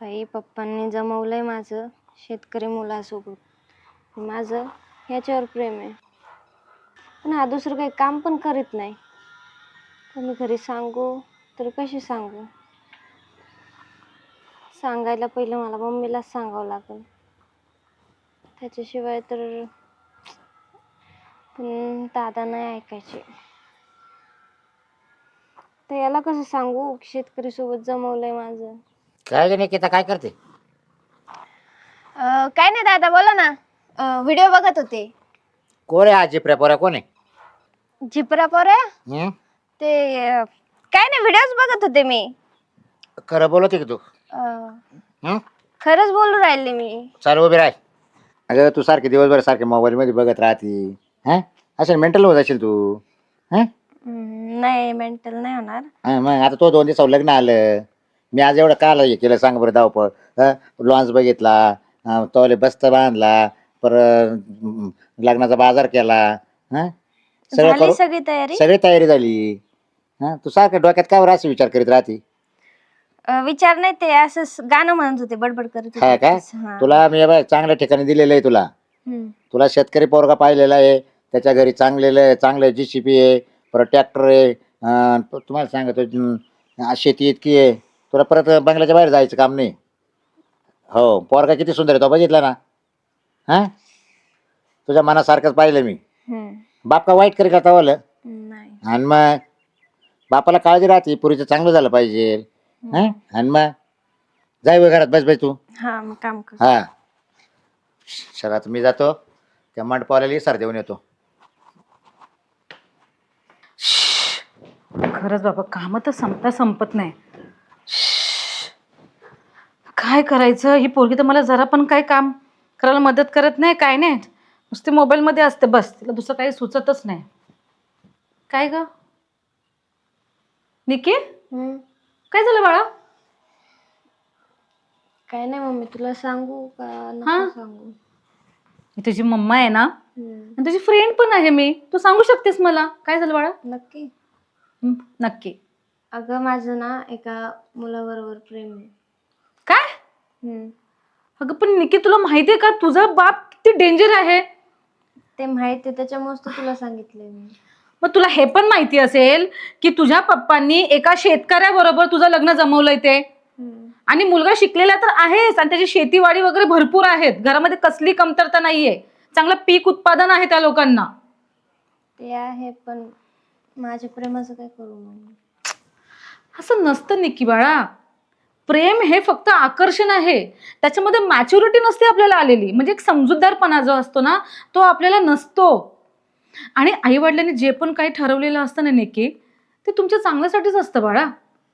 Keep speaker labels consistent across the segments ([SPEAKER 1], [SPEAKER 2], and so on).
[SPEAKER 1] बाई पप्पांनी जमवलंय माझं शेतकरी मुलासोबत. माझं ह्याच्यावर प्रेम आहे, पण हा दुसरं काही काम पण करीत नाही. तर मी घरी सांगू तर कशी सांगू? सांगायला पहिलं मला मम्मीलाच सांगावं लागेल, त्याच्याशिवाय तर. पण दादा नाही ऐकायचे. तर याला कसं सांगू शेतकरी सोबत जमवलंय माझं?
[SPEAKER 2] काय ग निकिता, काय करते?
[SPEAKER 1] काय नाही दादा, बोला ना. व्हिडिओ बघत होते.
[SPEAKER 2] कोण आहे आजी पोऱ्या, कोण आहे?
[SPEAKER 1] झिपरा पोरे ते काय नाही, व्हिडिओज बघत होते मी.
[SPEAKER 2] खरं बोलते की तू?
[SPEAKER 1] खरंच बोलू राहिले मी.
[SPEAKER 2] चाल उभी राह. अगं तू सारखे दिवसभर सारखे मोबाईल मध्ये बघत राहते. हा, असं मेंटल होत असेल तू. हा
[SPEAKER 1] नाही, मेंटल नाही होणार.
[SPEAKER 2] मग आता तो 2 दिवस लग्न आलं. मी आज एवढं काल हे केलं सांग बरं धावपळ. लॉन्स बघितला, तोले बस्त बांधला, परत लग्नाचा बाजार केला. हा सगळं
[SPEAKER 1] झाली
[SPEAKER 2] करू,
[SPEAKER 1] सगळी तयारी?
[SPEAKER 2] सगळी तयारी झाली. हा तू सारखं डोक्यात काय असं विचार करीत राहते?
[SPEAKER 1] विचार नाही, ते असं गाणं म्हणत होते, बडबड करत
[SPEAKER 2] हा
[SPEAKER 1] होते.
[SPEAKER 2] का? तुला मी चांगल्या ठिकाणी दिलेलं आहे. तुला तुला शेतकरी पोरगा पाहिलेला आहे. त्याच्या घरी चांगलं JCB आहे, परत ट्रॅक्टर आहे. तुम्हाला सांगतो शेती इतकी आहे. तुला परत बंगल्याच्या बाहेर जायचं काम नाही. हो, पोरगा किती सुंदर आहे तो बघितला ना? हा तुझ्या मनासारखंच पाहिलं मी. बाप का वाईट करी करता वालं?
[SPEAKER 1] नाही.
[SPEAKER 2] आणि मग बापाला काळजी राहते, पुरीचं चांगलं झालं पाहिजे. हा आणि मग जाय वय घरात, बस तू.
[SPEAKER 1] हा, मग काम कर.
[SPEAKER 2] हा चला, मी जातो त्या मंडपावाल्याला इसार देऊन येतो.
[SPEAKER 3] खरंच बाबा, काम तर संपत नाही. काय करायचं? ही पोरगी तर मला जरा पण काय काम करायला मदत करत नाही, काय नाही. नुसते मोबाईल मध्ये असते बस. तिला दुसरं काही सुचतच नाही. काय ग निकी, काय झालं बाळा?
[SPEAKER 1] काय नाही मम्मी, तुला सांगू का नको सांगू?
[SPEAKER 3] मी तुझी मम्मा आहे ना, आणि तुझी फ्रेंड पण आहे मी. तू सांगू शकतेस मला. काय झालं बाळा?
[SPEAKER 1] नक्की.
[SPEAKER 3] नक्की.
[SPEAKER 1] अगं माझं ना एका मुलाबरोबर प्रेम आहे.
[SPEAKER 3] काय? अगं पण निकी, तुला माहितीये का तुझा बाप किती डेंजर आहे?
[SPEAKER 1] ते माहिती, त्याच्यामुळेच तर तुला सांगितलंय मी.
[SPEAKER 3] मग तुला हे पण माहिती असेल की तुझ्या पप्पांनी एका शेतकऱ्याबरोबर तुझं लग्न जमवलंय ते. आणि मुलगा शिकलेला तर आहेच, आणि त्याची शेतीवाडी वगैरे भरपूर आहेत. घरामध्ये कसली कमतरता नाहीये. चांगलं पीक उत्पादन आहे त्या लोकांना.
[SPEAKER 1] ते आहे, पण माझ्या प्रेमाचं काय करू मम्मी?
[SPEAKER 3] असं नसतं निकी बाळा. प्रेम हे फक्त आकर्षण आहे. त्याच्यामध्ये मॅच्युरिटी नसते आपल्याला आलेली. म्हणजे एक समजूतदारपणा जो असतो ना, तो आपल्याला नसतो. आणि आई वडिलांनी जे पण काही ठरवलेलं असतं ना निकी, ते तुमच्या चांगल्यासाठीच असतं बाळा.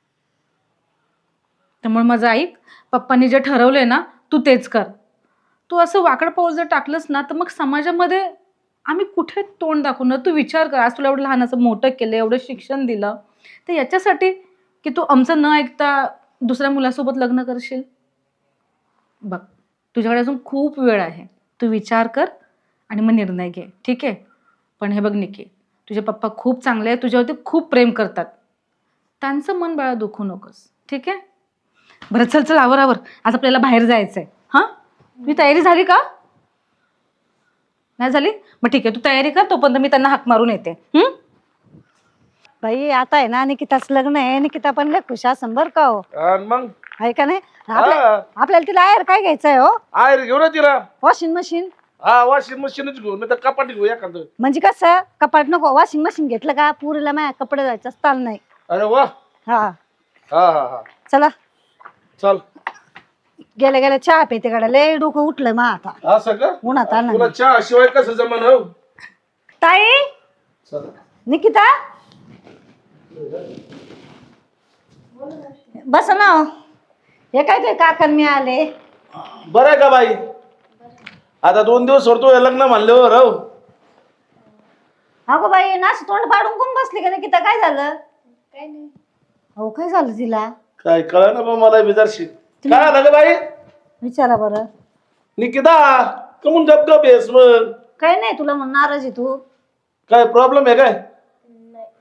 [SPEAKER 3] त्यामुळे माझं ऐक, पप्पांनी जे ठरवलंय ना, तू तेच कर. तू असं वाकड पाऊल जर टाकलंस ना, तर मग समाजामध्ये आम्ही कुठे तोंड दाखवणार? तू विचार कर, आज तुला एवढं लहानाचं मोठं केलं, एवढं शिक्षण दिलं, तर याच्यासाठी की तू आमचं न ऐकता दुसऱ्या मुलासोबत लग्न करशील? बघ, तुझ्याकडे अजून खूप वेळ आहे. तू विचार कर आणि मग निर्णय घे, ठीक आहे? पण हे बघ निकी, तुझे पप्पा खूप चांगले आहेत, तुझ्यावरती खूप प्रेम करतात. त्यांचं मन बाळा दुखू नकोस, ठीक आहे? बरं, चल चल, आवर. आज आपल्याला बाहेर जायचंय. हा, तुझी तयारी झाली का? नाही झाली? मग ठीक आहे, तू तयारी कर, तोपर्यंत मी त्यांना हाक मारून येते.
[SPEAKER 4] बाई आता आहे ना, निकिताच लग्न आहे. निकिता पण लय खुश असन बर का हो.
[SPEAKER 5] मग
[SPEAKER 4] आहे का नाही? आपल्याला तिला आयर काय घ्यायचंय हो?
[SPEAKER 5] आयर घेऊ ना तिला.
[SPEAKER 4] Washing machine.
[SPEAKER 5] हा, वॉशिंग मशीनच घेऊ, नाही तर कपाट घेऊ एखादं.
[SPEAKER 4] म्हणजे कसं, कपाट नको, वॉशिंग मशीन घेतलं का पुरीला माझ्या कपडे जायचं चाल नाही.
[SPEAKER 5] अरे वा.
[SPEAKER 4] हा
[SPEAKER 5] हा हा हा,
[SPEAKER 4] चला.
[SPEAKER 5] चल.
[SPEAKER 4] गेल्या गेल्या चहा पेते कडे लय डोकं उठलं मग आता.
[SPEAKER 5] असं का?
[SPEAKER 4] उन्हात आलं.
[SPEAKER 5] तुला चहा शिवाय कसं जमन हो?
[SPEAKER 4] ताई,
[SPEAKER 5] चल.
[SPEAKER 4] निकिता बस ना हो. हे काय ते काकण मी आले.
[SPEAKER 5] बरं आहे का बाई? आता 2 दिवस सोडतो लग्न म्हणल्यावर हो.
[SPEAKER 4] अगो बाई, नाश तोंड पाडून कोण बसली का निकिता? काय झालं?
[SPEAKER 1] काय नाही.
[SPEAKER 4] हो, काय झालं तिला?
[SPEAKER 5] काय कळलं ना मला विचारशी. काय झालं ग बाई?
[SPEAKER 4] विचारा बरं.
[SPEAKER 5] निकिता, कमून गप येस मग?
[SPEAKER 4] काय नाही, तुला म्हणून नाराज आहे तू?
[SPEAKER 5] काय प्रॉब्लेम आहे काय?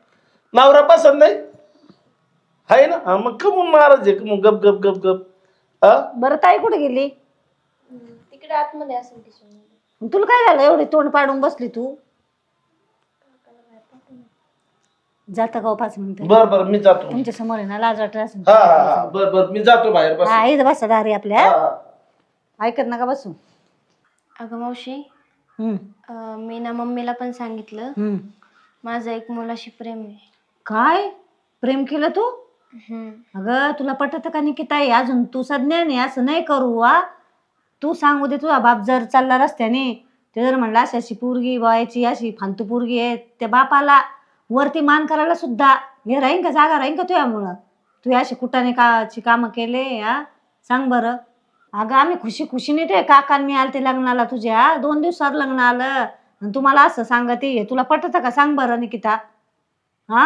[SPEAKER 5] नवरा पसंत नाही आहे ना? हा, मग कमून नाराज आहे? मग गप गप गप गप. हा?
[SPEAKER 4] बरं ताई कुठे गेली?
[SPEAKER 1] तिकडे आतमध्ये असेल किचन.
[SPEAKER 4] तुला काय झालं एवढी तोंड पाडून बसली तू? जाता का हो 5 मिनिटं?
[SPEAKER 5] बर बर मी जातो.
[SPEAKER 4] तुमच्या समोर आहे ना लाज वाटत असेल.
[SPEAKER 5] हा हा हा बर बर मी जातो बाहेर बस.
[SPEAKER 4] हा इथं बसा दारी आपल्या.
[SPEAKER 5] हा, हा.
[SPEAKER 4] ऐकत नका बसू.
[SPEAKER 1] अगं मावशी,
[SPEAKER 4] हम्म
[SPEAKER 1] मी ना मम्मीला पण सांगितलं
[SPEAKER 4] हम्म.
[SPEAKER 1] माझं एक मुलाशी प्रेम आहे.
[SPEAKER 4] काय प्रेम केलं तू?
[SPEAKER 1] हम्म.
[SPEAKER 4] अगं तुला पटत का निकिताई? अजून तू सज्ञान आहे, असं नाही करू वा. तू सांगू दे तुझा बाप जर चालला रस्त्याने ते जर म्हणला अशी अशी पोरगी बायची अशी फालतू पोरगी आहे, त्या बापाला वरती मान करायला सुद्धा हे राहीन का, जागा राहीन का तुझ्यामुळं? तू अशी कुठाने काची कामं केले हा? सांग बरं. अगं आम्ही खुशी खुशीने ते काका मी आले ते लग्नाला तुझ्या 2 दिवसावर लग्न आलं आणि तुम्हाला असं सांगते. तुला पटत का सांग बरं निकिता? हा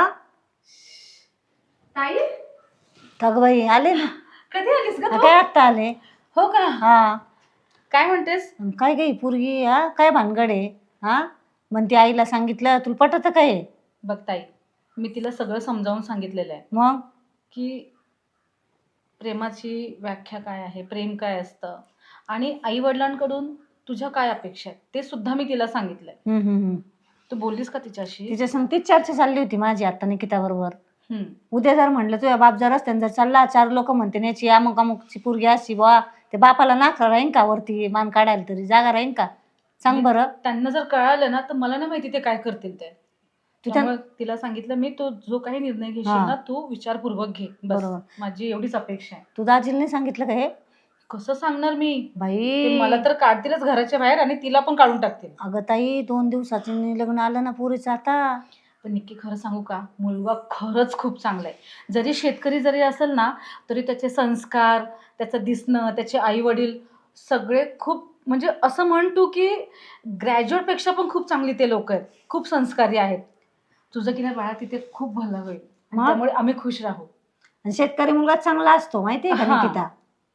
[SPEAKER 3] ताई
[SPEAKER 4] थगबाई आले ना.
[SPEAKER 3] कधी आलीस का
[SPEAKER 4] हा,
[SPEAKER 3] तू?
[SPEAKER 4] काय आत्ता आले.
[SPEAKER 3] हो का?
[SPEAKER 4] हा
[SPEAKER 3] काय म्हणतेस?
[SPEAKER 4] काय गई पोरगी हा काय भानगड आहे हा? म्हणते आईला सांगितलं. तुला पटत काय?
[SPEAKER 3] बघ ताई, मी तिला सगळं समजावून सांगितलेलं आहे
[SPEAKER 4] मग
[SPEAKER 3] की प्रेमाची व्याख्या काय आहे, प्रेम काय असतं आणि आई वडिलांकडून तुझ्या काय अपेक्षा आहेत ते सुद्धा मी तिला सांगितलंय.
[SPEAKER 4] हम्म.
[SPEAKER 3] तू बोललीस का तिच्याशी?
[SPEAKER 4] तिच्या संग तीच चर्चा चालली होती माझी आता निकिता बरोबर.
[SPEAKER 3] हम्म.
[SPEAKER 4] उद्या जर म्हणलं तुझ्या बाप जर रस्त्याने जर चालला 4 लोक म्हणते याची अमुक अमुकची पोरगी अशी बा, ते बापाला नाका राहीन का वरती मान काढायला तरी जागा राहीन का? सांग बरं.
[SPEAKER 3] त्यांना जर कळालं ना तर मला नाही माहिती ते काय करतील ते.
[SPEAKER 4] तू त्या-
[SPEAKER 3] त्यामुळे तिला सांगितलं मी, तो जो काही निर्णय घेशील
[SPEAKER 4] हा.
[SPEAKER 3] ना तू विचारपूर्वक घे. बस
[SPEAKER 4] बरोबर.
[SPEAKER 3] माझी एवढीच अपेक्षा आहे.
[SPEAKER 4] तू दाजीला नाही सांगितलं का हे?
[SPEAKER 3] कसं सांगणार मी? ते
[SPEAKER 4] बाई
[SPEAKER 3] मला तर काढतीलच घराच्या बाहेर आणि तिला पण काढून टाकतील.
[SPEAKER 4] अगं ताई 2 दिवसाचं लग्न आलं ना पोरीचं आता.
[SPEAKER 3] पण नक्की खरं सांगू का, मुलगा खरंच खूप चांगला आहे. जरी शेतकरी जरी असेल ना तरी त्याचे संस्कार, त्याचं दिसणं, त्याचे आई वडील सगळे खूप म्हणजे असं म्हण तू की ग्रॅज्युएटपेक्षा पण खूप चांगली ते लोक आहेत, खूप संस्कारी आहेत. तुझं की नाही बाळा तिथे खूप भलं होईल आणि
[SPEAKER 4] मग?
[SPEAKER 3] त्यामुळे आम्ही खुश राहू.
[SPEAKER 4] आणि शेतकरी मुलगा चांगला असतो माहितीये का
[SPEAKER 3] हा.
[SPEAKER 4] निकिता?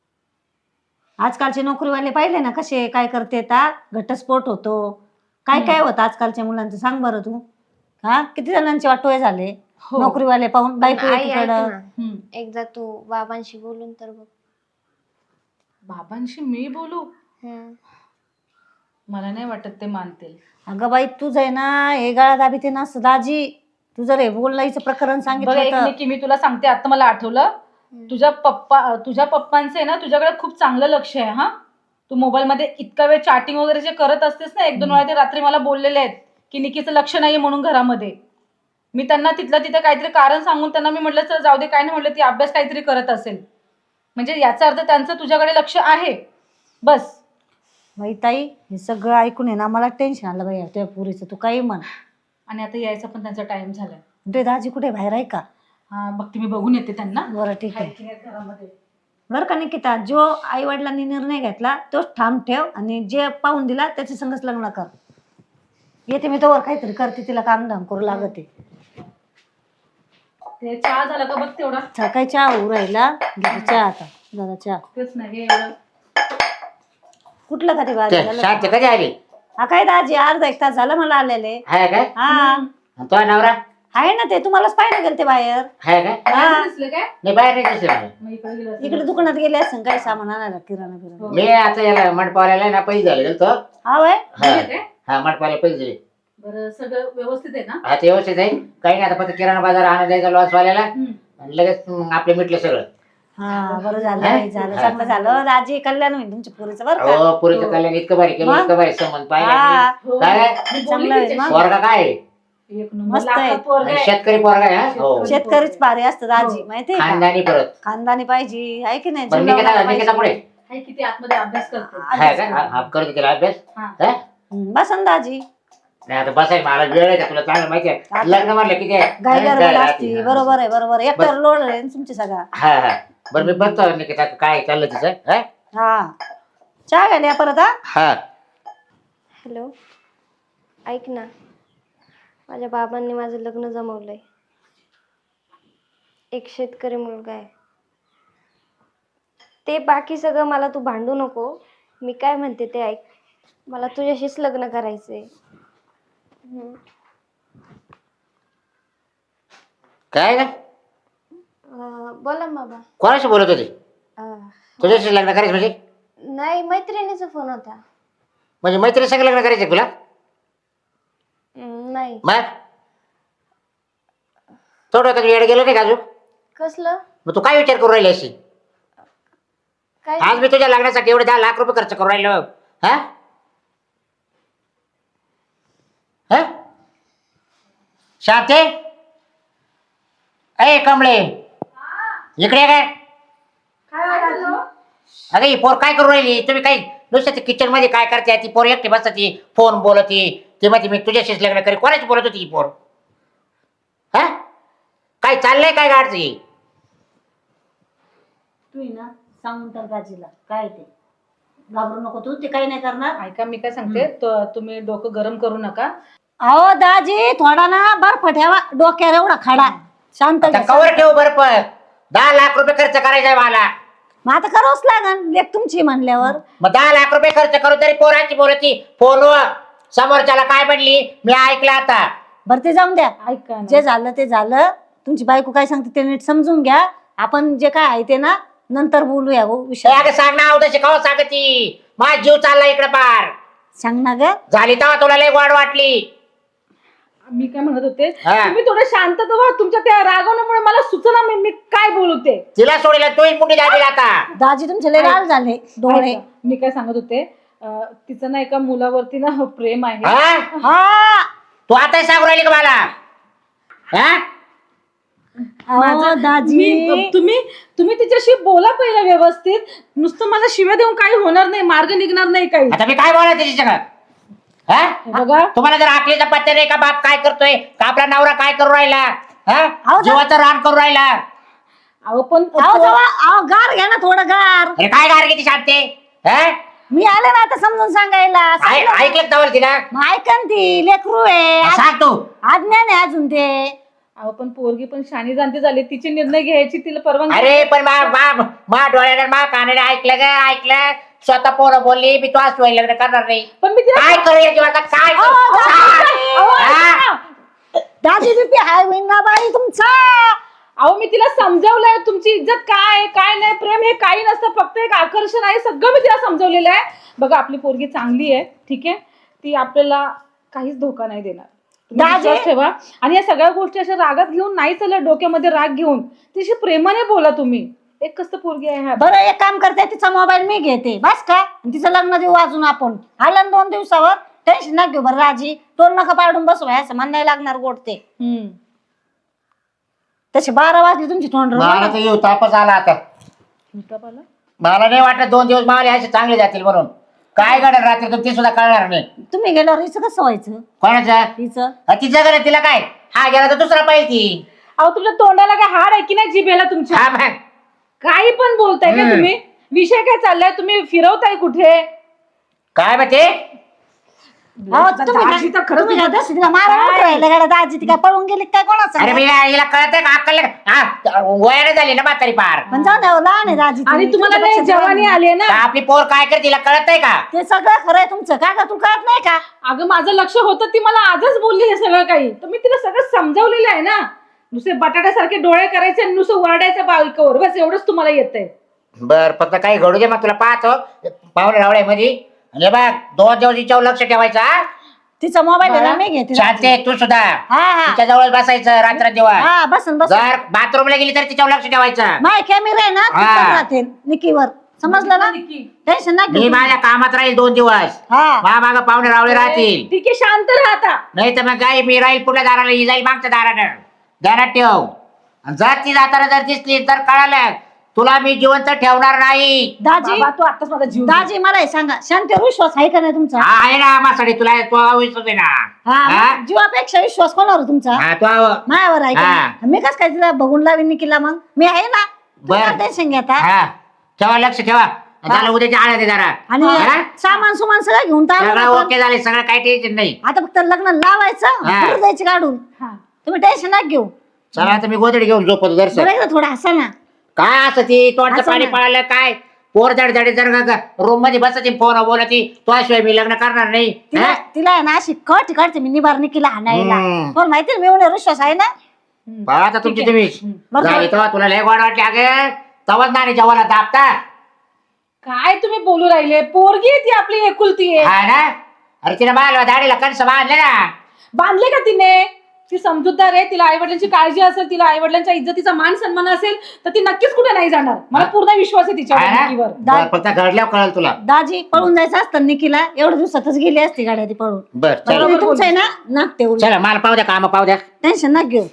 [SPEAKER 4] आजकालचे नोकरीवाले पाहिले ना कसे काय करते घटस्फोट होतो. काय काय होतं आजकालच्या मुलांचं सांग बरं तू. हा किती जणांचे वाटोळे झाले
[SPEAKER 3] हो.
[SPEAKER 4] नोकरीवाले पाहून. बायको
[SPEAKER 1] आई ऐक
[SPEAKER 4] एकीकडं.
[SPEAKER 1] ना,
[SPEAKER 3] हम्म.
[SPEAKER 1] एकदा तू बाबांशी बोलून तर बघ.
[SPEAKER 3] बाबांशी मी बोलू?
[SPEAKER 1] हम्म.
[SPEAKER 3] मला नाही वाटत ते मानतील.
[SPEAKER 4] अगं बाई तुझं आहे ना हे गळा दाबी ते ना दाजी. तू जर हे बोलायचं प्रकरण
[SPEAKER 3] बघ
[SPEAKER 4] सांगितलं
[SPEAKER 3] एक
[SPEAKER 4] तर
[SPEAKER 3] निकी, मी तुला सांगते आता मला आठवलं. तुझ्या पप्पांचं आहे ना तुझ्याकडे खूप चांगलं लक्ष आहे. हा, तू मोबाईल मध्ये इतका वेळ चॅटिंग वगैरे जे करत असतेस ना, 1-2 वेळा ते रात्री मला बोललेले आहेत की निकीचं लक्ष नाहीये म्हणून घरामध्ये. मी त्यांना तिथलं तिथे काहीतरी कारण सांगून त्यांना मी म्हटलं चल जाऊ दे, काय नाही म्हटलं, ती अभ्यास काहीतरी करत असेल. म्हणजे याचा अर्थ त्यांचं तुझ्याकडे लक्ष आहे. बस.
[SPEAKER 4] बाई ताई हे सगळं ऐकून आहे ना मला टेन्शन आलं बाई तुझ्या पुरीचं. तू काही म्हण.
[SPEAKER 3] आणि आता यायचा पण त्यांचा टाइम झालाय.
[SPEAKER 4] तुझे दाजी कुठे बाहेर आहे का?
[SPEAKER 3] हा बघते, मी बघून येते त्यांना.
[SPEAKER 4] बरं ठीक आहे.
[SPEAKER 3] आहेत की नाहीत घरामध्ये.
[SPEAKER 4] बरं का निकिता, जो आई वडिलांनी निर्णय घेतला तोच ठाम ठेव आणि जे पाहून दिला त्याच्या संगच लग्न कर. येते मी तोवर काहीतरी करते, तिला काम धाम करू लागते.
[SPEAKER 3] ते चहा झाला का बघ तेवढा.
[SPEAKER 4] सकाळी चहा होऊ राहिला. घेते चहा आता. दादा चहा.
[SPEAKER 3] तेच नाही एवढं.
[SPEAKER 4] कुठलं का ते बाजूला?
[SPEAKER 2] शांत कधी आली?
[SPEAKER 4] हा काय दाजी अर्धा 1 तास झालं मला आलेले.
[SPEAKER 2] हाय काय?
[SPEAKER 4] हा
[SPEAKER 2] आणि तो नवरा
[SPEAKER 4] आहे ना, ते तुम्हालाच पाहिजे गेल ते बाहेर.
[SPEAKER 2] हाय काय?
[SPEAKER 4] हा
[SPEAKER 3] दिसलं काय?
[SPEAKER 2] नाही बाहेर नाही दिसले मला.
[SPEAKER 3] मग इकडे गेलं असेल.
[SPEAKER 4] इकडे दुकानात गेले असं काही सामान आणायला किराणा बिराणा.
[SPEAKER 2] मी आता याला मंडपावाल्याला ना पैसे झाले गेलो.
[SPEAKER 4] हा वय
[SPEAKER 3] गेले काय?
[SPEAKER 2] हा मंडपाला पैसे दिले.
[SPEAKER 3] बरं सगळं व्यवस्थित आहे ना?
[SPEAKER 2] हा ते व्यवस्थित आहे. काही नाही आता फक्त किराणा बाजार आणा द्यायचा लॉसवाल्याला
[SPEAKER 3] हम्म.
[SPEAKER 2] आणि लगेच आपले मिटलं सगळं.
[SPEAKER 4] हा बरं झालं बाई, झालं चांगलं झालं. दाजी कल्याण होईल तुमच्या पुरीचं बरं का.
[SPEAKER 2] हो पुरीचं कल्याण इतकं भारी केलं,
[SPEAKER 4] मग?
[SPEAKER 2] इतकं भारी संबंध पाहिला.
[SPEAKER 4] हा
[SPEAKER 3] हो.
[SPEAKER 2] काय?
[SPEAKER 3] मी बोलली
[SPEAKER 4] चांगलं आहे
[SPEAKER 3] तिच्याशी.
[SPEAKER 4] मग.
[SPEAKER 2] पोरगा काय आहे?
[SPEAKER 3] एक नंबर
[SPEAKER 4] मस्त आहे.
[SPEAKER 3] लाखात पोरगा आहे.
[SPEAKER 2] शेतकरी पोरगा आहे हा? हो
[SPEAKER 4] शेतकरीच भारी असतं दाजी
[SPEAKER 3] हो.
[SPEAKER 4] माहितीये का.
[SPEAKER 2] खानदानी परत.
[SPEAKER 4] खानदानी पाहिजे आहे की नाही.
[SPEAKER 2] पण
[SPEAKER 4] जीव
[SPEAKER 2] निकिता
[SPEAKER 4] लावणारा
[SPEAKER 2] निकिता
[SPEAKER 4] पाहिजे.
[SPEAKER 2] पुढे
[SPEAKER 3] हाय किती आतमध्ये अभ्यास करते.
[SPEAKER 2] हाय काय? हा करतो तिला अभ्यास.
[SPEAKER 3] हा.
[SPEAKER 2] हा?
[SPEAKER 4] बस ना दाजी.
[SPEAKER 2] नाही आता बसाय मला वेळ आहे का तुला चांगलं माहिती आहे. लग्न म्हटलं किती आहे?
[SPEAKER 4] गाय
[SPEAKER 2] हा,
[SPEAKER 4] गडबड
[SPEAKER 2] राहते.
[SPEAKER 4] असती.
[SPEAKER 2] हा.
[SPEAKER 4] बरोबर आहे बरोबर आहे. एकट्यावर लोड आहे ना तुमची सगळा.
[SPEAKER 2] हा हा बरं मी बघतो निकिता काय चाललं तिचं. हा?
[SPEAKER 4] हा चहा घ्या परत. हा
[SPEAKER 2] हा
[SPEAKER 1] हॅलो, ऐक ना, माझ्या बाबांनी माझं लग्न जमवलंय. एक शेतकरी मुलगा आहे. ते बाकी सगळं मला तू भांडू नको. मी काय म्हणते ते ऐक. मला तुझ्याशीच लग्न करायचंय.
[SPEAKER 2] काय ना
[SPEAKER 1] बोला ना बाबा.
[SPEAKER 2] कोणाशी बोलत होते? तुझ्याशी लग्न करायचं म्हणजे?
[SPEAKER 1] नाही, मैत्रिणीचा फोन होता.
[SPEAKER 2] म्हणजे मैत्रिणी संग लग्न करायचं तुला?
[SPEAKER 1] नाही.
[SPEAKER 2] मग थोडं का येड गेलं नाही का अजून?
[SPEAKER 1] कसलं?
[SPEAKER 2] मग तू काय विचार करू राहिली अशी?
[SPEAKER 1] काय?
[SPEAKER 2] आज मी तुझ्या लग्नासाठी एवढे 10 लाख रुपये खर्च करू राहिलो. हा हा शांते, ए कमळे, इकडे काय? अगं ही पोर काय करू राहिली? तुम्ही काही नुसतं किचन मध्ये काय करते? ती पोर एकटी बसती, फोन बोलती, ती म्हणते मी तुझ्याशीच लग्न करी. कोणाची बोलत होती ही पोर? हा काय चाललंय काय गाडची?
[SPEAKER 4] तू ना सांगून तर दाजीला काय ते, घाबरू नको तू, ते काही नाही करणार.
[SPEAKER 3] ऐका मी काय सांगते, तुम्ही डोकं गरम करू नका.
[SPEAKER 4] अहो दाजी थोडा ना बर्फ ठेवा डोक्यावर एवढा खडा. शांत
[SPEAKER 2] आता
[SPEAKER 4] घ्या,
[SPEAKER 2] कवर
[SPEAKER 4] शांत.
[SPEAKER 2] ठेव बरं पण 10 लाख रुपये खर्च करायचा आहे मला.
[SPEAKER 4] मग आता करावंच लागन, लेख तुमची म्हणल्यावर.
[SPEAKER 2] मग 10 लाख रुपये खर्च करू तरी पोराची बोलती फोनवर. समोरच्याला काय म्हणली मी ऐकलं आता.
[SPEAKER 4] बरं ते जाऊन द्या,
[SPEAKER 3] ऐका ना.
[SPEAKER 4] जे झालं ते झालं. तुमची बायको काय सांगते ते नीट समजून घ्या. आपण जे काय आहे ते ना नंतर बोलूया हो
[SPEAKER 2] ए,
[SPEAKER 4] विषय.
[SPEAKER 2] अगं सांग ना अवधशी कवा सांगती. माझा जीव चालला इकडे पार.
[SPEAKER 4] सांग ना ग.
[SPEAKER 2] झाली तेव्हा तुला लय गोड वाटली.
[SPEAKER 3] मी काय म्हणत होते,
[SPEAKER 2] हा.
[SPEAKER 3] तुम्ही थोडं शांत व्हा. तुमच्या त्या रागवण्यामुळे मला सुचना मी काय बोलते.
[SPEAKER 2] तिला सोडलं तूही मुंडी दाबील आता.
[SPEAKER 4] दाजी तुमचे लय लाल झाले डोळे.
[SPEAKER 3] ऐका, मी काय सांगत होते, तिचं ना एका मुलावरती ना प्रेम आहे.
[SPEAKER 2] हा
[SPEAKER 4] हा
[SPEAKER 2] तू आता सांगू राहिली का मला? हा
[SPEAKER 4] अहो, दाजी
[SPEAKER 3] तुम्ही तिच्याशी बोला पहिला व्यवस्थित. नुसतं मला शिव्या देऊन काही होणार नाही, मार्ग निघणार नाही काही.
[SPEAKER 2] आता मी काय बोलायचं त्याची सगळं?
[SPEAKER 3] बघा
[SPEAKER 2] तुम्हाला जर आखलीचा पत्ते नाही का बाप काय करतोय का आपला नवरा काय करू राहिला? हा
[SPEAKER 4] अहो,
[SPEAKER 2] जीवाचं रान करू राहिला.
[SPEAKER 3] अहो पण
[SPEAKER 4] अहो गार घ्या ना थोडं गार.
[SPEAKER 2] अरे काय गार किती शांते? हा
[SPEAKER 4] मी आले ना आता समजून सांगायला.
[SPEAKER 2] ऐकलं का तवल तिला?
[SPEAKER 4] मग ऐकन ती लेकरू आहे,
[SPEAKER 2] सांग तू.
[SPEAKER 4] आज्ञा नाही अजून ते.
[SPEAKER 3] अहो पण पोरगी पण शाणी जाणती झाली, तिचे निर्णय घ्यायची तिला परवानगी.
[SPEAKER 2] अरे पण मा डोळ्याने मा कानाने ऐकलं ग ऐकलं. स्वतः पोरं बोलली मी तो आज लग्न करणार नाही.
[SPEAKER 3] पण मी तिला
[SPEAKER 2] काय करू या जीवाचा काय करू? हा?
[SPEAKER 4] दाजी बीपी हाय होईन ना बाई तुमचा.
[SPEAKER 3] अहो मी तिला समजावलंय तुमची इज्जत काय काय नाही, प्रेम हे काही नसतं, फक्त एक आकर्षण आहे. सगळं मी तिला समजावलेलं आहे. बघा आपली पोरगी चांगली आहे, ठीक आहे, ती आपल्याला काहीच धोका नाही देणार. तुम्ही
[SPEAKER 4] दाजी-
[SPEAKER 3] विश्वास ठेवा. आणि या सगळ्या गोष्टी अशा रागात घेऊन नाही चालत, डोक्यामध्ये राग घेऊन तिशी प्रेमाने बोला तुम्ही. एक कसं पोरगी आहे ह्या.
[SPEAKER 4] बरं एक काम करते, तिचा मोबाईल मी घेते बस का. आणि तिचं लग्न देऊ अजून आपण. आलं ना 2 दिवसावर, टेन्शन नका घेऊ. बरं राजी तोंड नका पाडून बसवाय, असं म्हणायला लागणार गोडते. तसे 12 वाजले तुमची तोंड
[SPEAKER 2] मला तर येऊ तापच आला आता. मला नाही वाटत 2 दिवस मावले असे चांगले जातील म्हणून. काय घडेल रात्री तर ते सुद्धा कळणार नाही.
[SPEAKER 4] तुम्ही गेल्यावर हिचं कसं व्हायचं
[SPEAKER 2] कोणाचं?
[SPEAKER 4] हिचं?
[SPEAKER 2] तिचं घरी तिला काय? हा गेला तर दुसरा पाहिजे ती.
[SPEAKER 3] अहो तुमच्या तोंडाला काय हाड आहे की नाही जिभेला तुमच्या?
[SPEAKER 2] हा मग
[SPEAKER 3] काही पण बोलताय का तुम्ही? विषय काय चाललाय? तुम्ही फिरवताय कुठे?
[SPEAKER 2] काय म्हणते?
[SPEAKER 4] अहो, तुम्ही
[SPEAKER 3] दाजी तर खरंच
[SPEAKER 4] तुम्ही काय दशी तिला मारायला उठून राहिले का दाजी? ती काय पळून गेली काय कोणाचं?
[SPEAKER 2] अरे मी हिला कळतंय का अक्कल? हा वयाने झाली ना म्हातारी पार.
[SPEAKER 4] पण जाऊ द्या, लहान आहे दाजी ती.
[SPEAKER 3] आणि तुम्हाला नाही
[SPEAKER 4] तुमच्यापेक्षा
[SPEAKER 3] जवानी
[SPEAKER 4] लहान आहे.
[SPEAKER 3] आली ना.
[SPEAKER 2] का आपली पोर काय करते तिला कळतंय का?
[SPEAKER 4] ते सगळं खरंय तुमचं. काय का तुला कळत नाही का?
[SPEAKER 3] अगं माझं लक्ष होतं, ती मला आजच बोलली हे सगळं काही. तर मी तिला सगळं समजावलेलं आहे ना. नुसते बटाट्यासारखे डोळे करायचे आणि नुसतं वरडायचं बायकोवर, बस एवढंच तुम्हाला येतंय.
[SPEAKER 2] बर फक्त काही घडू दे मग तुला पाहतो पाहुणे रावळे मध्ये. आणि बघ 2 दिवस हिच्यावर लक्ष ठेवायचं. हा?
[SPEAKER 4] तिचा मोबाईल आहे ना, मी घेते.
[SPEAKER 2] शांते तू सुद्धा
[SPEAKER 4] हा हा
[SPEAKER 2] तिच्या जवळ बसायचं रात्र दिवस.
[SPEAKER 4] हा बसन बस.
[SPEAKER 2] जर बाथरूमला गेली तर तिच्यावर लक्ष ठेवायचं.
[SPEAKER 4] माय कॅमेरा आहे ना
[SPEAKER 2] हा.
[SPEAKER 4] तिथं राहते निकीवर. समजलं ना? टेन्शन ना
[SPEAKER 2] मी
[SPEAKER 4] घेऊ.
[SPEAKER 2] माझ्या कामात राहील 2 दिवस.
[SPEAKER 4] हा
[SPEAKER 2] माग पाहुणे रावळे राहतील.
[SPEAKER 3] ठीक आहे, शांत राहता.
[SPEAKER 2] नाही तर मग काय मी राहील पुढल्या दाराला ही जाईल मागच्या दारानं. ध्यानात ठेव. आणि जर ती जाताना जर दिसली तर कळालं तुला मी जिवंत ठेवणार नाही.
[SPEAKER 4] दाजी
[SPEAKER 3] बाबा, तू आताच माझा जीव
[SPEAKER 4] दाजी मला हे सांगा, शांतीवर विश्वास आहे का नाही तुमचा?
[SPEAKER 2] हा आहे ना मासाठी तुला तो विश्वास आहे ना.
[SPEAKER 4] हा
[SPEAKER 2] हा?
[SPEAKER 4] मग जीवापेक्षा विश्वास कोणावर तुमचा?
[SPEAKER 2] हा तो
[SPEAKER 4] मायावर आहे
[SPEAKER 2] हा.
[SPEAKER 4] का? मी कस काय तिला बघून लावीन निकीला? मग मी आहे ना.
[SPEAKER 2] बरं.
[SPEAKER 4] टेन्शन घेता.
[SPEAKER 2] हा ठेवा लक्ष ठेवा. झालं उद्याच्या आळ्या दे जरा.
[SPEAKER 4] आणि
[SPEAKER 2] हा?
[SPEAKER 4] सामान सुमान सगळं घेऊन तर आलो
[SPEAKER 2] सगळं
[SPEAKER 4] ना आपण.
[SPEAKER 2] ओके झाले सगळं काही टेन्शन नाही.
[SPEAKER 4] आता फक्त लग्न लावायचं,
[SPEAKER 2] हा.
[SPEAKER 4] दूर जायची काढून.
[SPEAKER 3] हा.
[SPEAKER 4] तुम्ही टेन्शन नका घेऊ.
[SPEAKER 2] चला आता मी गोदडी घेऊन झोपतो दर्शन.
[SPEAKER 4] बरं एकदा थोडं हसा ना.
[SPEAKER 2] काय असं ती तोंडचं
[SPEAKER 4] असं
[SPEAKER 2] पाणी
[SPEAKER 4] नाही.
[SPEAKER 2] पळालं काय? पोर जडजडी जर रूम मध्ये बसायची फोन बोलती तुझ्याशिवाय मी लग्न करणार नाही.
[SPEAKER 4] तिला
[SPEAKER 2] हा?
[SPEAKER 4] तिला आहे ना अशी कट काढते मी निबार निकीला हाणायला.
[SPEAKER 2] हम्म.
[SPEAKER 4] पण माहिती ना, मी एवढा विश्वास आहे ना.
[SPEAKER 2] पहा आता तुमची तुम्ही
[SPEAKER 4] बरं.
[SPEAKER 2] झाली तेव्हा तुला लय गोड वाटली अगं तवाच नाणी जेवायला दाबता.
[SPEAKER 3] काय तुम्ही बोलू राहिले? पोरगी आहे ती आपली एकुलती आहे.
[SPEAKER 2] हा ना, अरे तिने बाल दाढीला कणसं बांधले ना.
[SPEAKER 3] बांधले का तिने? ती समजूतदार आहे, तिला आईवडिलांची काळजी असेल, तिला आईवडिलांच्या इज्जतीचा मान सन्मान असेल तर ती नक्कीच कुठे नाही जाणार. मला पूर्ण विश्वास आहे तिच्यावर,
[SPEAKER 2] हा ना?
[SPEAKER 3] निकीवर.
[SPEAKER 2] बरं, फक्त घडल्यावर कळेल तुला.
[SPEAKER 4] दाजी पळून जायचं असतं निकीला, एवढ्या दिवसातच गेली असती गाड्या ती पळून.
[SPEAKER 2] बर चला
[SPEAKER 4] बरोबर तुमचं आहे ना, नाक तेवढं
[SPEAKER 2] चला, मला पाहू द्या, काम पाहू द्या.
[SPEAKER 4] टेन्शन ना घेऊ.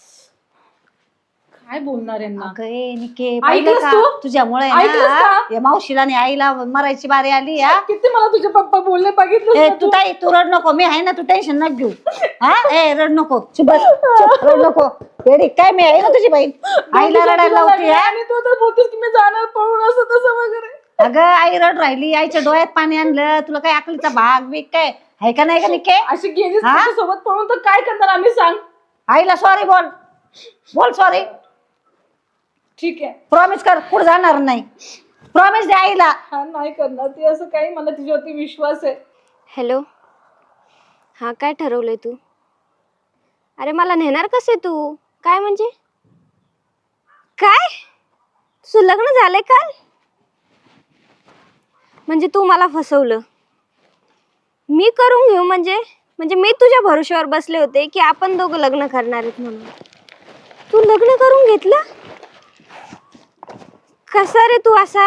[SPEAKER 3] काय बोलणार यांना?
[SPEAKER 4] अगं ए, निके पाहिलं
[SPEAKER 3] ऐकलंस
[SPEAKER 4] का?
[SPEAKER 3] तू?
[SPEAKER 4] तुझ्यामुळे
[SPEAKER 3] ऐकलंस
[SPEAKER 4] ना
[SPEAKER 3] का?
[SPEAKER 4] या मावशीला आणि आईला मरायची बारी आली या.
[SPEAKER 3] किती मला तुझे पप्पा बोलले बघितलं
[SPEAKER 4] ए तू ताई तू रड नको, मी आहे ना, तू टेन्शन न घेऊ. हा ए रड नको, चुप बस, चुप, रड नको. एडी काय मी आहे ना तुझी बहीण, आईला रडायला लावते.
[SPEAKER 3] आणि तू तर बोलतेस की मी जाणार पळून असं तसं वगैरे.
[SPEAKER 4] अगं आई रड राहिली, आईच्या डोळ्यात पाणी आणलं, तुला काय अकलीचा भाग बीक काय आहे का नाही का निके?
[SPEAKER 3] अशी गेलीस
[SPEAKER 4] हा?
[SPEAKER 3] सोबत पळून तर काय करणार आम्ही, सांग.
[SPEAKER 4] आईला सॉरी बोल, बोल सॉरी.
[SPEAKER 3] ठीक आहे,
[SPEAKER 4] प्रॉमिस कर, पुढे जाणार नाही. प्रॉमिस दे आईला.
[SPEAKER 3] हा नाही करणार ती असं काही. मला तिच्यावरती विश्वास आहे.
[SPEAKER 1] हॅलो, हां काय ठरवलंय तू? अरे मला नेणार कसे तू? काय म्हणजे काय? तुझं लग्न झालंय काल? म्हणजे तू मला फसवलं. मी करून घेऊ म्हणजे म्हणजे मी तुझ्या भरोश्यावर बसले होते की आपण दोघं लग्न करणार आहेत म्हणून. तू लग्न करून घेतलं? कसा रे तू असा?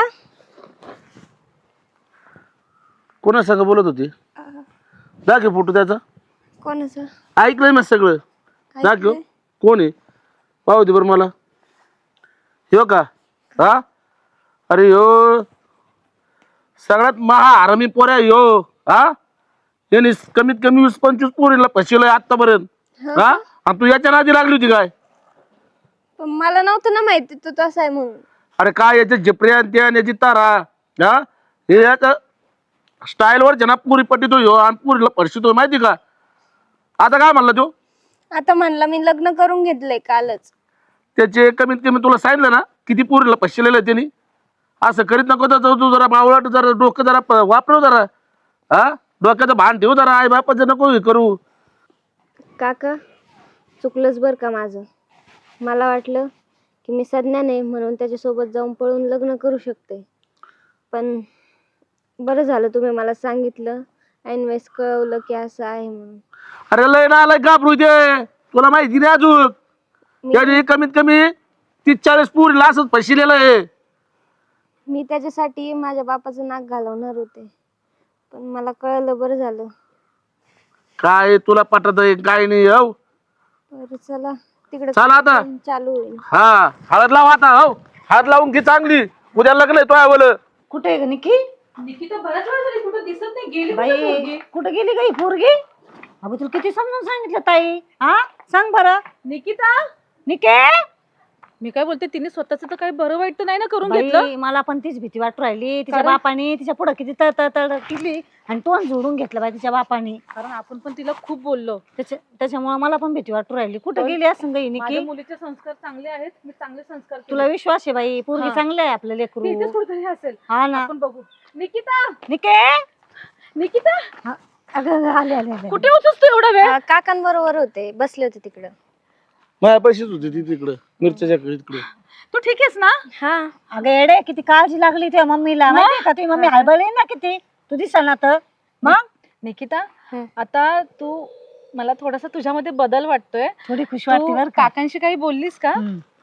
[SPEAKER 5] कोणा संग बोलत होती? दाखव फोटो त्याचा.
[SPEAKER 1] कोणाचं?
[SPEAKER 5] ऐकलंय मी सगळं. दाखव कोण आहे, पाहू दे बरं मला. ह्यो का? हा, अरे ह्यो सगळ्यात महा हरामी पोऱ्या ह्यो. हा, याने कमीत कमी 20-25 पोरीला फसवलंय आतापर्यंत. हा, आणि तू याच्या नादी लागली होती काय?
[SPEAKER 1] पण मला नव्हतं ना माहिती तू तसा आहे म्हणून.
[SPEAKER 5] अरे काय याच्या झेपऱ्या आणि त्या आणि याची तारा. हा, हे याचा स्टाईलवर जना पुरी पट्टीतो ह्यो आणि पुरीला फसवतोय माहिती का? आता काय म्हणला तो?
[SPEAKER 1] आता म्हणला मी लग्न करून घेतलंय कालच.
[SPEAKER 5] त्याचे कमीत कमी तुला सांगितलं ना किती पोरीला फसलेलं आहे त्यांनी. असं करीत नको तर तू जरा मावळट, जरा डोकं जरा वापरव जरा. हा, डोक्याचं भान ठेव जरा, आई बापाचं नको हे करू.
[SPEAKER 1] काका चुकलंच बरं का माझं. मला वाटलं की मी सज्ञान आहे म्हणून त्याच्यासोबत जाऊन पळून लग्न करू शकते. पण बरं झालं तुम्ही मला सांगितलं, ऐनवेळेस कळवलं की असं आहे म्हणून.
[SPEAKER 5] अरे लय ना आलाय घाबरू दे, तुला माहिती नाही अजून. त्याने कमीत कमी 30-40 पोरीला असंच फसलेलं आहे.
[SPEAKER 1] मी त्याच्यासाठी माझ्या बापाचं नाक घालवणार होते, पण मला कळलं, बरं झालं.
[SPEAKER 5] काय तुला पटत आहे काय नाही? हो
[SPEAKER 1] बरं चला तिकडे
[SPEAKER 5] चला आता.
[SPEAKER 1] चालू होईल.
[SPEAKER 5] हा, हळद लाव आता. हो, हळद लावून घे चांगली, उद्या लग्न आहे तो आहे.
[SPEAKER 4] कुठे आहे ग निकी?
[SPEAKER 3] निकिता बऱ्याच वेळ झाली कुठं दिसत नाही, गेली कुठं
[SPEAKER 4] बाई
[SPEAKER 3] पोरगी?
[SPEAKER 4] कुठे गेली गई पोरगी? अगं तुला किती समजून सांगितलं ताई. हा सांग बरं
[SPEAKER 3] निकिता,
[SPEAKER 4] निके.
[SPEAKER 3] मी काय बोलते, तिने स्वतःच तर काही बरं वाईट तर नाही ना करून घेतलं?
[SPEAKER 4] बाई मला पण तीच भीती वाटू राहिली. तिच्या
[SPEAKER 3] कारण?
[SPEAKER 4] बापाने तिच्या पुढे किती तळ केली आणि तोंड जोडून घेतलं बाई तिच्या बापाने.
[SPEAKER 3] कारण आपण पण तिला खूप बोललो.
[SPEAKER 4] त्याच्यामुळे मला पण भीती वाटू राहिली. कुठे गेली असं गई
[SPEAKER 3] माझ्या
[SPEAKER 4] निकी?
[SPEAKER 3] मुलीचे संस्कार चांगले आहेत, मी चांगले संस्कार केले.
[SPEAKER 4] तुला विश्वास आहे बाई, पोरगी
[SPEAKER 3] हा.
[SPEAKER 4] चांगलं आहे आपलं
[SPEAKER 3] ती
[SPEAKER 4] लेकरू.
[SPEAKER 3] इथेच कुठेतरी असेल,
[SPEAKER 4] हा ना
[SPEAKER 3] आपण बघू. निकिता,
[SPEAKER 4] निके.
[SPEAKER 3] निकिता
[SPEAKER 4] हा, अगं आले आले आले.
[SPEAKER 3] कुठे होतीस तू एवढा वेळ?
[SPEAKER 1] काकांबरोबर होते, बसले होते तिकडं.
[SPEAKER 5] माझ्या पैसेच होते ती तिकडं मिरच्याच्या तिकडे.
[SPEAKER 3] तू ठीक आहेस ना?
[SPEAKER 1] हा
[SPEAKER 4] अगं येडे किती काळजी लागली त्या मम्मीला माहितीये का? तुझी मम्मी हळबळली ना किती. तू दिसा ना तर मग
[SPEAKER 3] निकिता,
[SPEAKER 1] हं.
[SPEAKER 3] आता तू, मला थोडासा तुझ्यामध्ये बदल वाटतोय.
[SPEAKER 4] थोडी खुश
[SPEAKER 3] तू
[SPEAKER 4] वाटते बरं का.
[SPEAKER 3] काकांशी काही बोललीस का?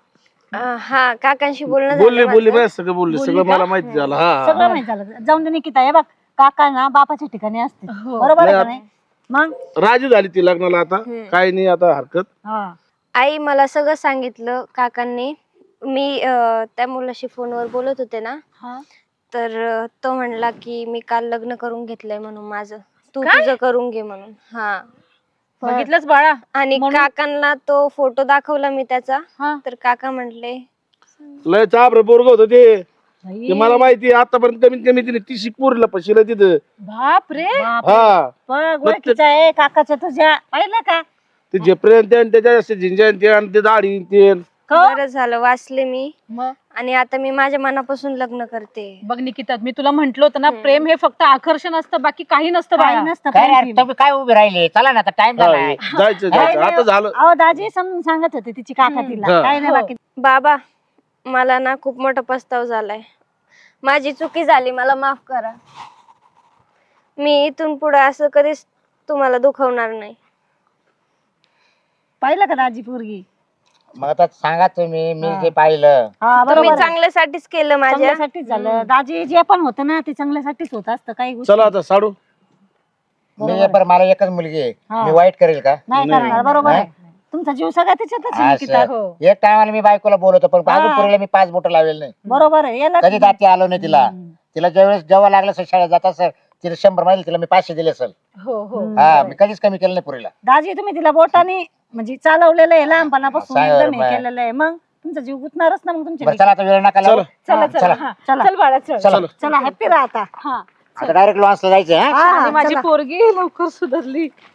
[SPEAKER 1] हा काकांशी बोलणं
[SPEAKER 5] बोलले
[SPEAKER 1] झालं
[SPEAKER 5] बोलले
[SPEAKER 1] माझं.
[SPEAKER 5] बाय, सगळं बोलले,
[SPEAKER 3] बोलली
[SPEAKER 5] सगळं
[SPEAKER 3] का?
[SPEAKER 5] मला माहिती झालं. हा
[SPEAKER 4] सगळं माहित झालं. जाऊन दे निकिता. हे बघ काका ना बापाच्या ठिकाणी असते.
[SPEAKER 3] हो.
[SPEAKER 4] बरोबर आहे का
[SPEAKER 5] नाही,
[SPEAKER 4] नाही? मग
[SPEAKER 5] राजी झाली ती लग्नाला. आता काय नाही, आता हरकत.
[SPEAKER 4] हा
[SPEAKER 1] आई मला सगळं सांगितलं काकांनी. मी त्या मुलाशी फोनवर बोलत होते ना,
[SPEAKER 3] हा.
[SPEAKER 1] तर तो म्हणला की मी काल लग्न करून घेतलंय म्हणून माझं, तू
[SPEAKER 3] काय?
[SPEAKER 1] तुझं करून घे म्हणून. हा,
[SPEAKER 3] बघितलंच बाळा.
[SPEAKER 1] आणि
[SPEAKER 3] म्हणून?
[SPEAKER 1] काकांना तो फोटो दाखवला मी त्याचा,
[SPEAKER 3] हा.
[SPEAKER 1] तर काका म्हटले
[SPEAKER 5] लय चाप रे पोरग होत ते.
[SPEAKER 4] बाई,
[SPEAKER 5] ते मला माहिती आतापर्यंत कमीत कमी तिने 30 पोरीला फसलं तिथं.
[SPEAKER 3] बाप रे.
[SPEAKER 4] बाप.
[SPEAKER 5] हा,
[SPEAKER 4] बघ ओळखीचा आहे काकाच्या तुझ्या. पाहिलं का?
[SPEAKER 5] ते झेपऱ्यान ते आणि त्याच्या असे झिंज्यान ते आणि ते दाढी ते.
[SPEAKER 1] बरं झालं वाचले मी.
[SPEAKER 3] मग
[SPEAKER 1] आणि आता मी माझ्या मनापासून लग्न करते.
[SPEAKER 3] बघ निकिता, मी तुला म्हंटल होतं ना, प्रेम हे फक्त आकर्षण असतं, बाकी काही नसतं
[SPEAKER 4] काही
[SPEAKER 3] बाळा.
[SPEAKER 4] नसतं
[SPEAKER 2] काय रे,
[SPEAKER 4] प्रेम.
[SPEAKER 2] तुम्ही काय उभे राहिले? चला ना, आता टाइम
[SPEAKER 5] हा,
[SPEAKER 2] झालाय.
[SPEAKER 5] जायचं जायचं आता झालं.
[SPEAKER 4] अहो दाजी समजून सांगत होते तिची काका तिला.
[SPEAKER 5] हा.
[SPEAKER 4] काय नाही
[SPEAKER 3] हो.
[SPEAKER 4] बाकी.
[SPEAKER 1] बाबा मला ना खूप मोठा पस्ताव झालाय. माझी चुकी झाली, मला माफ करा. मी इथून पुढे असं कधीच तुम्हाला दुखवणार नाही.
[SPEAKER 4] पाहिलं का दाजी पोरगी?
[SPEAKER 2] मग आता सांगा तुम्ही, मी जे पाहिलं
[SPEAKER 4] हा
[SPEAKER 1] तुम्ही
[SPEAKER 4] बरोबर आहे.
[SPEAKER 1] चांगल्यासाठीच केलं माझ्या.
[SPEAKER 4] चांगल्यासाठीच झालं दाजी, जे पण होतं ना ते चांगल्यासाठीच होत असतं. काही गोष्टी
[SPEAKER 5] चला आता साडू.
[SPEAKER 2] मी बरं, मला एकच मुलगी आहे,
[SPEAKER 4] हा.
[SPEAKER 2] मी वाईट करेल का?
[SPEAKER 4] नाही करणार. बरोबर आहे. तुमचा जीव सगळा त्याच्यातच आहे, निकिता.
[SPEAKER 2] असं. एक टायमाला मी बायकोला बोलवतो, पण अजून पोरीला मी 5 बोटं लावेल नाही.
[SPEAKER 4] बरोबर आहे. याला
[SPEAKER 2] कधी दाती आलो नाही तिला. तिला ज्यावेळेस जेव्हा लागलं असेल शाळेत जात असेल, तिला 100 माहिती, तिला मी 500 दिले असेल.
[SPEAKER 3] हो हो
[SPEAKER 2] हा, मी कधीच कमी केलं नाही पोरीला.
[SPEAKER 4] दाजी तुम्ही तिला बोटाने म्हणजे चालवलेलं आहे लहानपणापासून,
[SPEAKER 2] सांगा
[SPEAKER 4] एकदम
[SPEAKER 2] बरं,
[SPEAKER 4] हे केलेलं आहे. मग तुमचा जीव गुतणारच ना मग तुमच्या
[SPEAKER 2] बरं चला, आता वेळ नका लावू.
[SPEAKER 3] चला चला
[SPEAKER 2] चला.
[SPEAKER 3] हा.
[SPEAKER 4] चला.
[SPEAKER 3] चल बाळा चल
[SPEAKER 2] चला
[SPEAKER 4] चला हॅपी राहा आता.
[SPEAKER 3] हा
[SPEAKER 2] आता डायरेक्ट लॉन्सला जायचं. हा
[SPEAKER 4] हा,
[SPEAKER 3] आणि माझी
[SPEAKER 4] चला.
[SPEAKER 3] पोरगी लवकर सुधारली.